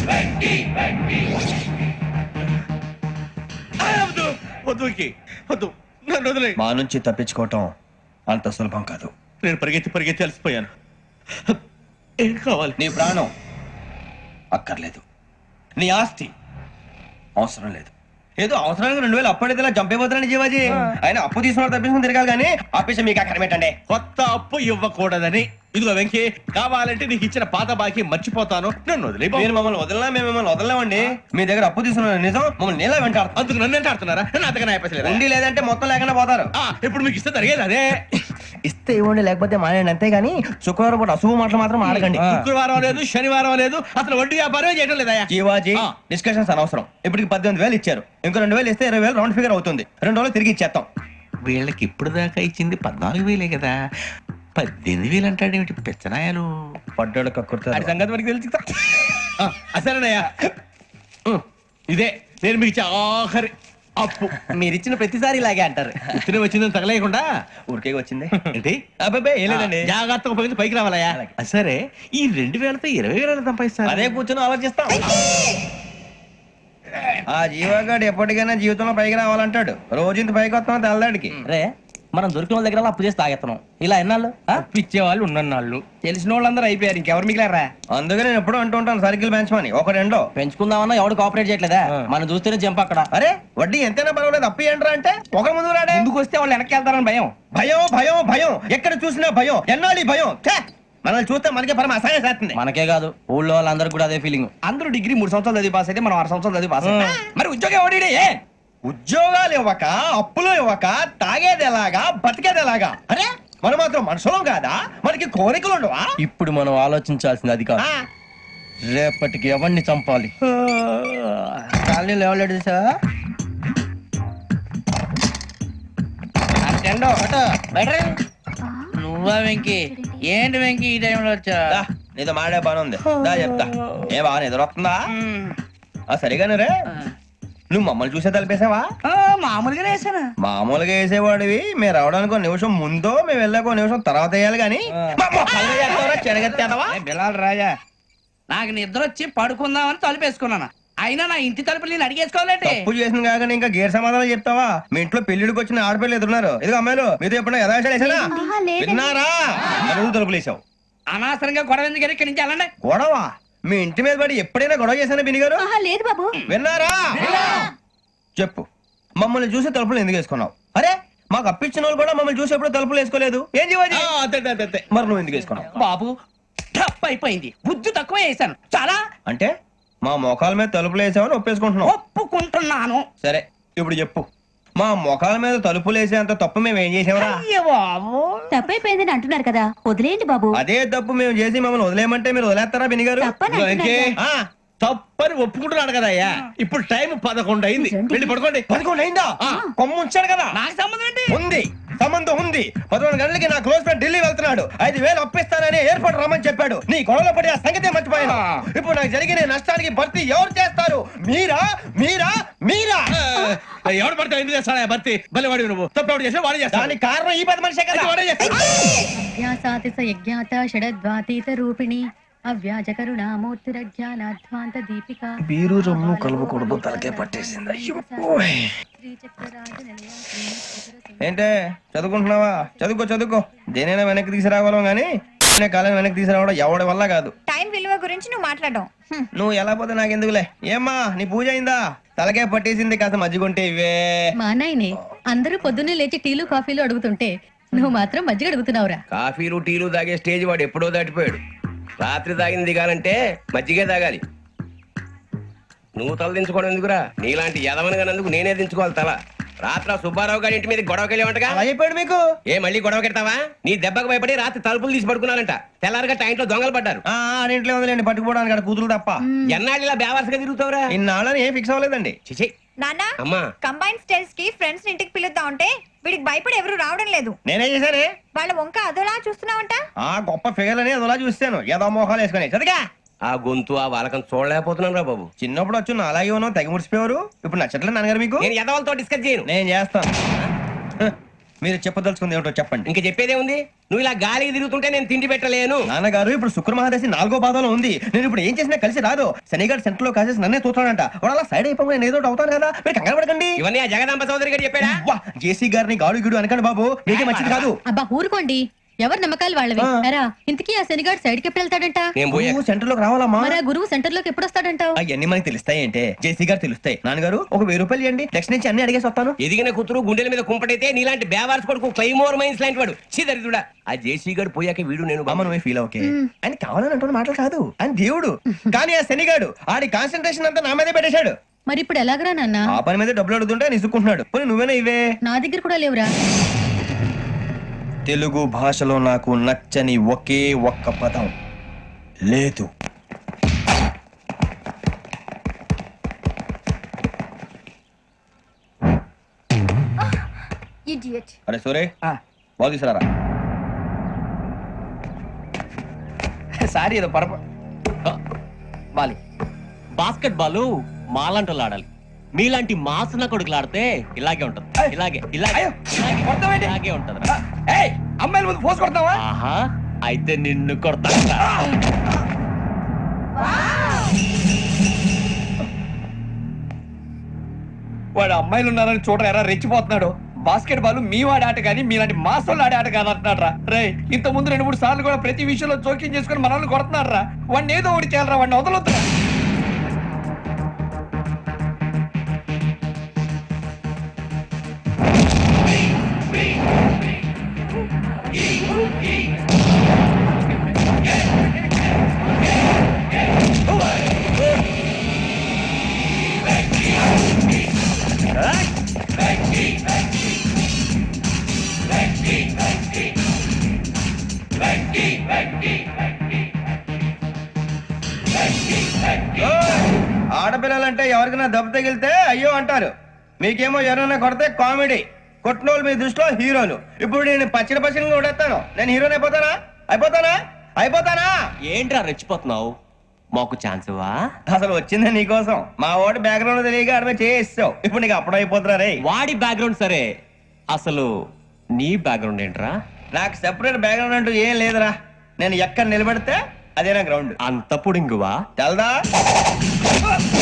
వద్దు, నన్ను వదిలే. మా నుంచి తప్పించుకోవటం అంత సులభం కాదు. నేను పరిగెత్తి అలసిపోయాను. ఏం కావాలి? నీ ప్రాణం అక్కర్లేదు, నీ ఆస్తి అవసరం లేదు. ఏదో అవసరానికి 2000 అప్పటిదిలా చంపేపోతున్నాను జీవాజీ. ఆయన అప్పు తీసుకున్న తప్పించుకుని తిరగాలి కానీ ఆపేసి మీకు అక్కడ పెట్టండి. కొత్త అప్పు ఇవ్వకూడదని. ఇదిగో వెంకీ, కావాలంటే నీకు ఇచ్చిన పాత బాకీ మర్చిపోతాను, నన్ను వదిలే. మీరు మమ్మల్ని వదలనా? మేము మిమ్మల్ని వదలలేమండి. మీ దగ్గర అప్పు తీసుకున్న నిజం మమ్మల్ని నీలా వెంటాడు. అందుకు నన్ను ఎంత ఆడుతున్నారా? నన్ను అంతగా అయిపోలేదు. ఉండి లేదంటే మొత్తం లేకుండా పోతారు. ఇప్పుడు మీకు ఇస్తే జరిగేది అదే. ఇస్తే ఇవ్వండి, లేకపోతే మానేయండి, అంతేగాని శుక్రవారం పూట అశుభ మాటలు మాత్రం ఆడకండి. శుక్రవారం లేదు, శనివారం లేదు, అసలు వడ్డీ వ్యాపారం చేయడం లేదా? జీవాజీ, డిస్కషన్స్ అనవసరం. ఇప్పటికి 18,000 ఇచ్చారు, ఇంకో 2,000 ఇస్తే 20,000 రౌండ్ ఫిగర్ అవుతుంది. 2 రోజులు తిరిగి ఇచ్చేస్తాం. వీళ్ళకి ఇప్పుడు దాకా ఇచ్చింది 14,000 కదా, 18,000 అంటాడేమిటి పెచ్చనాయాలు? పడ్డాడు కక్కుర్తాడు. సంగతి మనకి తెలుసు. అసలేనయ్యా, ఇదే నేను మీకు ఇచ్చే ఆఖరి అప్పు. మీరిచ్చిన ప్రతిసారి ఇలాగే అంటారు. ఇతనే వచ్చిందని తగలేయకుండా ఊరికే వచ్చింది ఏంటి? అబ్బాయి ఏం లేదండి. జాగ్రత్తగా ఉపయోగించి పైకి రావాలయ్యా. సరే, ఈ 2,000తో 20,000 సంపాదిస్తారు. అదే కూర్చొని ఆలోచిస్తాం. ఆ జీవగాడు ఎప్పటికైనా జీవితంలో పైకి రావాలంటాడు. రోజు ఇంత పైకి వస్తాం తెల్లడికి. రే, మనం దొరికిన వాళ్ళ దగ్గర అప్పు చేసి తాగెత్తనం. ఇలా ఎన్నాళ్ళు ఇచ్చే వాళ్ళు ఉన్నన్నాళ్ళు. తెలిసిన వాళ్ళందరూ అయిపోయారు, ఇంకెవరు మిగిలారా? అందుకే నేను ఎప్పుడూ అంటూ ఉంటాను, సర్కిల్ బెంచ్ మని ఒక రెండో పెంచుకుందామన్నా ఎవడు కోఆపరేట్ చేయట్లేదా? మనం చూస్తేనే జంప్ అక్కడ. అరే వడ్డీ ఎంతైనా పర్వాలేదు, అప్పు ఏంట్రా అంటే ఒక ముందు రాడే. ముందుకు వస్తే వాళ్ళు వెనక్కి వెళ్తారని భయం. భయం భయం భయం, ఎక్కడ చూసినా భయం. ఎన్నాళ్ళు భయం? మనల్ని చూస్తే మనకే పరమ అసహాయం చేస్తుంది. మనకే కాదు, ఊళ్ళో వాళ్ళందరూ కూడా అదే ఫీలింగ్. అందరూ డిగ్రీ 3 సంవత్సరాలు చదివి పాస్ అయితే మనం 6 సంవత్సరాలు చదివి పాస్. మరి ఉద్యోగం ఎవడి? ఉద్యోగాలు ఇవ్వక, అప్పులు ఇవ్వక, తాగేది ఎలాగా, బతికేది ఎలాగా? అరే మనం మాత్రం మనుషులం కాదా? మనకి కోరికలు ఉండవా? ఇప్పుడు మనం ఆలోచించాల్సింది అది కాదు, రేపటికి ఎవరిని చంపాలి. కాలనీలో ఎవరు సార్? నువ్వా వెంకీ? ఏంటి వెంకీ ఈ టైంలో వచ్చా? నీతో మాడే పని ఉంది, దా చెప్తా. ఏ బాగా నిద్రొస్తుందా? సరిగానే రే, నువ్వు మమ్మల్ని చూసే తలిపేసావా? మామూలుగా వేసాను. మామూలుగా వేసేవాడివి. మేము రావడానికి 1 నిమిషం ముందో, మేము వెళ్ళాక 1 నిమిషం తర్వాత వేయాలి కానీ బిలాల్ రాజా, నాకు నిద్ర వచ్చి పడుకుందామని తలుపేసుకున్నాను. అయినా నా ఇంటి తలుపులు నేను అడిగేసుకోవాలంటే తప్పు చేసిన కాక ఇంకా గేర్ సమాధానం చెప్తావా? మీ ఇంట్లో పెళ్లిడికి వచ్చిన ఆడపిల్లలు ఎదురున్నారు. ఇదిగో అమ్మాయిలు, మీతో ఎప్పుడైనా యథాశాలు వేసానా? విన్నారా? తలుపులు వేసావు. అనవసరంగా గొడవ ఎందుకు? ఇక్కడి నుంచి వెళ్ళండి. గొడవ? మీ ఇంటి మీద పడి ఎప్పుడైనా గొడవ చేశానా బిని గారు? లేదు బాబు. విన్నారా? చెప్పు, మమ్మల్ని చూసి తలుపులు ఎందుకు వేసుకున్నావు? అరే మాకు అప్పించిన వాళ్ళు కూడా మమ్మల్ని చూసి ఎప్పుడు తలుపులు వేసుకోలేదు. ఏం చేయాలి? మరి నువ్వు ఎందుకు వేసుకున్నావు? బాబు టప్ అయిపోయింది, బుద్ధి తక్కువ వేసాను చాలా. అంటే మా మొఖాల మీద తలుపులు వేసామని ఒప్పేసుకుంటున్నావు? ఒప్పుకుంటున్నాను. సరే ఇప్పుడు చెప్పు, మా మొఖాల మీద తలుపులు వేసేంత తప్పు మేము ఏం చేసామరా? బాబు తప్పైపోయిందని అంటున్నారు కదా, వదిలేయండి బాబు. అదే తప్పు మేము చేసి మమ్మల్ని వదిలేయమంటే మీరు వదిలేస్తారా బిని గారు? తప్పని ఒప్పుకుంటున్నాడు కదా అయ్యా. ఇప్పుడు టైం 11 అయింది, వెళ్ళి పడుకోండి. 11 అయిందా? కొమ్ము ఉంచాడు కదా. నాకు సంబంధం ఏంటి? ఉంది, సంబంధం ఉంది. 11 గంటలకి నా క్లోజ్ ఫ్రెండ్ ఢిల్లీ వెళ్తున్నాడు. 5,000 అప్పిస్తానని ఎయిర్పోర్ట్ రమ్మని చెప్పాడు. నీ గొడవలో పడి ఆ సంగతే మర్చిపోయాను. ఇప్పుడు నాకు జరిగిన నష్టానికి భర్తీ ఎవరు చేస్తారు? మీరా మీరా మీరా? ఎవడు పడితే ఎందుకు చేస్తాడా భర్తీ? మళ్ళీ వాడి నువ్వు తప్పు చేసి వాడే చేస్తా. దానికి కారణం ఈ 10 మనిషే కదా. వాడే రూపిణి అవ్యాజ కరుణామూర్తిరజ్ఞానాధ్వాంత దీపిక. బీరు రమ్ము కలుపుకూడదు, తలకే పట్టేసింది. ఏంటే చదువుకుంటున్నావా? చదువుకో చదువుకో. దేనైనా వెనక్కి తీసుకురావాలం గానీ కాలం వెనక్కి తీసుకురావడం ఎవడి వల్ల కాదు. టైం విలువ గురించి నువ్వు మాట్లాడడం. నువ్వు ఎలా పోతే నాకెందుకులే. ఏమ్మా నీ పూజ అయిందా? తలకే పట్టేసింది, కాస్త మజ్జిగుంటే ఇవే. మా నాయనే అందరూ పొద్దున్నే లేచి టీలు కాఫీలు అడుగుతుంటే నువ్వు మాత్రం మజ్జిగ అడుగుతున్నావురా. కాఫీలు టీలు తాగే స్టేజ్ వాడు ఎప్పుడో దాటిపోయాడు. రాత్రి తాగింది దిగాలంటే మజ్జిగే తాగాలి. నువ్వు తల దించుకోవడం ఎందుకురా? నీలాంటి యదవనగానందుకు నేనే దించుకోవాలి తల. రాత్రి సుబ్బారావు గారి ఇంటి మీద గొడవకి వెళ్ళేవంటగా. అయిపోయాడు మీకు. ఏ మళ్ళీ గొడవ కెడతావా? నీ దెబ్బకు భయపడి రాత్రి తలుపులు తీసి పడుకున్నారంట. తెల్లారగా టైంట్లో దొంగలు పడ్డారు. ఇంట్లో ఉందిలేండి, పట్టుకుపోవడానికి అక్కడ కూతురు తప్ప. ఎన్నాళ్ళు ఇలా బేవర్సగా తిరుగుతావురా? ఇన్నాళ్ళని ఏం ఫిక్స్ అవ్వలేదండి. చిచి నాన్న, అమ్మా, కంబైన్ స్టైల్స్ కి ఫ్రెండ్స్ ఇంటికి పిలుద్దాం అంటే వీడికి భయపడి ఎవరు రావడం లేదు. నేనే చేశానే. వాళ్ళ వంక అదోలా చూస్తున్నావంట. గొప్ప ఫిగర్ అని అదోలా చూస్తాను. ఏదో మోహాలు వేసుకుని చదిగా ఆ గొంతు ఆ వాలకం చూడలేకపోతున్నాను రా బాబు. చిన్నప్పుడు వచ్చి నా అలాగే ఉన్నావు, తెగ ముడిచిపోయారు. ఇప్పుడు నచ్చట్లేదు నాన్నగారు మీకు? నేను యదవలతో డిస్కస్ చేయను. నేను చేస్తాను. మీరు చెప్పదలుచుకుంది ఏమిటో చెప్పండి. ఇంక చెప్పేదే ఉంది. నువ్వు ఇలా గాలికి తిరుగుతుంటే నేను తిండి పెట్టలేను. నాన్నగారు ఇప్పుడు శుక్ర మహాదశి 4వ పాదంలో ఉంది. నేను ఇప్పుడు ఏం చేసినా కలిసి రాదు. శనిగారు సెంటర్ లో కాసేసి నన్నే చూస్తాడంట. వాడు అలా సైడ్ అయిపోయి నేను ఏదో ఒకటి అవుతాను కదా, మీరు కంగారు పడకండి. ఇవన్నీ ఆ జగదాంబ చౌదరి గారు చెప్పాడా? జేసీ గారిని గాడు గిడు అనకండి బాబు, మీకే మంచిది కాదు. అబ్బా ఊరుకోండి, ఎవరి నమ్మకాలు వాళ్ళవి. ఎరా ఇంతకీ ఆ శనిగాడు సైడ్ కి ఎప్పుడు వెళ్తాడంట? నేను పోయా. సెంటర్ లోకి రావాలమ్మా. మరి ఆ గురువు సెంటర్ లోకి ఎప్పుడు వస్తాడంటావు? అవన్నీ మనకి తెలుస్తాయి అంటే జేసీ గారు తెలుస్తాయి. నాన్నగారు ఒక 1000 రూపాయలు ఇవ్వండి, నెక్స్ట్ నుంచి అన్ని అడిగేసి వస్తాను. ఎదిగిన కూతురు గుండెల మీద కుంపటైతే నీలాంటి బేవార్స్ కొడుకు క్లైమోర్ మైన్స్ లాంటి వాడు దరిద్రుడా. ఆ జేసీ గారు పోయాక వీడు నేను అమ్మ నువ్వే ఫీల్ ఓకే. ఆయన కావాలని అంటున్న మాటలు కాదు, ఆయన దేవుడు. కానీ ఆ శనిగాడు ఆడి కాన్సన్ట్రేషన్ అంతా నా మీదే పెట్టేశాడు. మరి ఇప్పుడు ఎలాగరా నాన్న? ఆ పని మీద డబ్బులు అడుగుతుంటే నిసుకుంటున్నాడు. పోనీ నువ్వేనా ఇవే? నా దగ్గర కూడా లేవురా. తెలుగు భాషలో నాకు నచ్చని ఒకే ఒక్క పదం లేదు. అరే సూరే బాల్ తీసుకురారా. సారీ ఏదో పరప బాలు. బాస్కెట్ బాల్ మాలాంటి ఆడాలి. మీలాంటి మాసన కొడుకులు ఆడితే ఇలాగే ఉంటది. ఇలాగే ఇలాగే ఇలాగే ఇలాగే ఉంటది. అమ్మాయిల ముందు పోసి కొడతావా? ఆహా, అయితే నిన్ను కొడతా. వాడు అమ్మాయిలు ఉన్నారని చూడరా ఎరా రెచ్చిపోతున్నాడు. బాస్కెట్ బాల్ మీ వాడి ఆట కానీ మీలాంటి మాసోళ్ళు ఆడే ఆట కాదు అంటున్నాడు రా. రే ఇంత ముందు 2-3 సార్లు కూడా ప్రతి విషయంలో జోక్యం చేసుకుని మనల్ని కొడుతున్నాడు రా. వాడిని ఏదో ఒకటి చేయాలరా, వాడిని వదలొద్దురా. ఆడపిల్లలంటే ఎవరికైనా దెబ్బ తగిలితే అయ్యో అంటారు, మీకేమో ఎవరైనా కొడితే కామెడీ. కొట్టినోళ్ళు మీ దృష్టిలో హీరోలు. ఇప్పుడు నేను పచ్చడి కొడేస్తాను, నేను హీరోని అయిపోతానా? అయిపోతానా? ఏంట్రా రెచ్చిపోతున్నావు? మాకు ఛాన్స్ ఇవ్వా? అసలు వచ్చింది నీకోసం. మా వాడి బ్యాక్గ్రౌండ్ తెలియక ఆడమే చేసావు. ఇప్పుడు నీకు అప్పుడు అయిపోతున్నా రే. వాడి బ్యాక్గ్రౌండ్ సరే, అసలు నీ బ్యాక్గ్రౌండ్ ఏంట్రా? నాకు సెపరేట్ బ్యాక్గ్రౌండ్ అంటూ ఏం లేదురా. నేను ఎక్కడ నిలబడితే అదే నా గ్రౌండ్. అంత పుడింగువా? తెల్దా?